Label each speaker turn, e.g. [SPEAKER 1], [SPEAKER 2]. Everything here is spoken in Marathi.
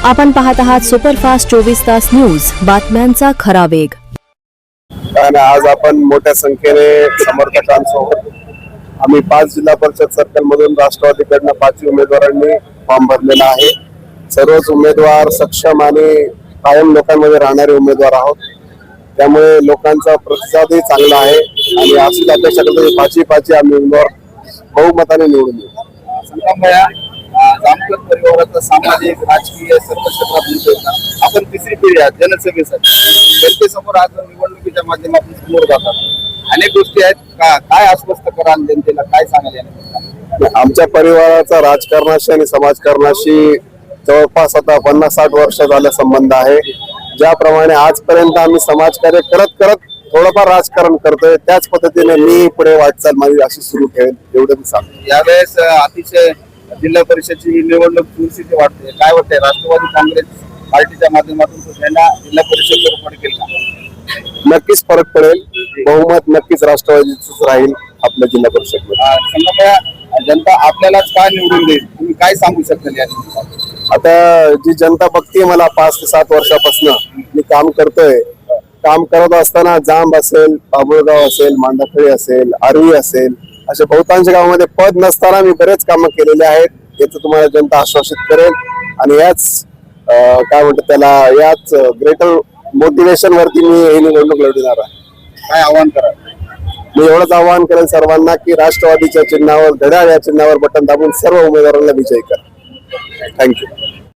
[SPEAKER 1] आपण पाहत आहात सुपरफास्ट 24 तास न्यूज, बातम्यांचा खरा वेग।
[SPEAKER 2] आज आपण मोठ्या संख्येने समर्थकांसोबत आम्ही 5 जिल्हा परिषद सर्कल मधून राष्ट्रवादीकडून 5 उमेदवारांनी फॉर्म भरलेला आहे। सर्वच उमेदवार सक्षम आणि कायम लोकांमध्ये राहणारे उमेदवार आहोत, त्यामुळे लोकांचा प्रतिसादही चांगला आहे आणि अशीच अपेक्षा करतो 5 आम्ही उमेदवार बहुमताने निवडून येऊ।
[SPEAKER 3] जामकर परिवाराचा सामाजिक राजकीय सर्व क्षेत्रात आपण तिसरी पिढी आहात जनसेवेसाठी जनतेसमोर आज निवडणुकीच्या माध्यमातून समोर जातात। अनेक गोष्टी आहेत काय आश्वस्त कराल जनतेला, काय सांगाल?
[SPEAKER 2] आमच्या परिवाराचा राजकारणाशी आणि समाजकारणाशी जवळपास आता 50-60 वर्ष झाला संबंध आहे। ज्याप्रमाणे आजपर्यंत आम्ही समाजकार्य करत करत थोडंफार राजकारण करतोय, त्याच पद्धतीने मी पुढे वाटचाल माझी अशी सुरू ठेवेल, एवढं मी सांगतो।
[SPEAKER 3] यावेळेस अतिशय जिल्हा परिषदची निवडणूक चुरशीची वाटते, काय वाटतंय? राष्ट्रवादी काँग्रेस पार्टीच्या माध्यमातून जिल्हा परिषदवर पडेल का?
[SPEAKER 2] नक्कीच फरक पडेल, बहुमत नक्कीच राष्ट्रवादीच राहील आपल्या जिल्हा परिषद मध्ये।
[SPEAKER 3] जनता आपल्यालाच काय निवडून देईल, तुम्ही काय सांगू शकाल या?
[SPEAKER 2] आता जी जनता बघतीये मला 5 ते 7 वर्षापासून मी काम करतोय, काम करत असताना जांब असेल, बाबुळगाव असेल, मांडाखळी असेल, आर्वी असेल, अशा बहुतांश गावामध्ये पद नसताना मी बरेच कामं केलेले आहेत। याचं तुम्हाला जनता आश्वासित करेल आणि याच काय म्हणतात त्याला, याच ग्रेटर मोटिवेशन वरती मी ही निवडणूक लढवणार आहे।
[SPEAKER 3] काय आव्हान करा?
[SPEAKER 2] मी एवढंच आवाहन करेन सर्वांना की राष्ट्रवादीच्या चिन्हावर, घड्याळ या चिन्हावर बटन दाबून सर्व उमेदवारांना विजयी करा। थँक्यू।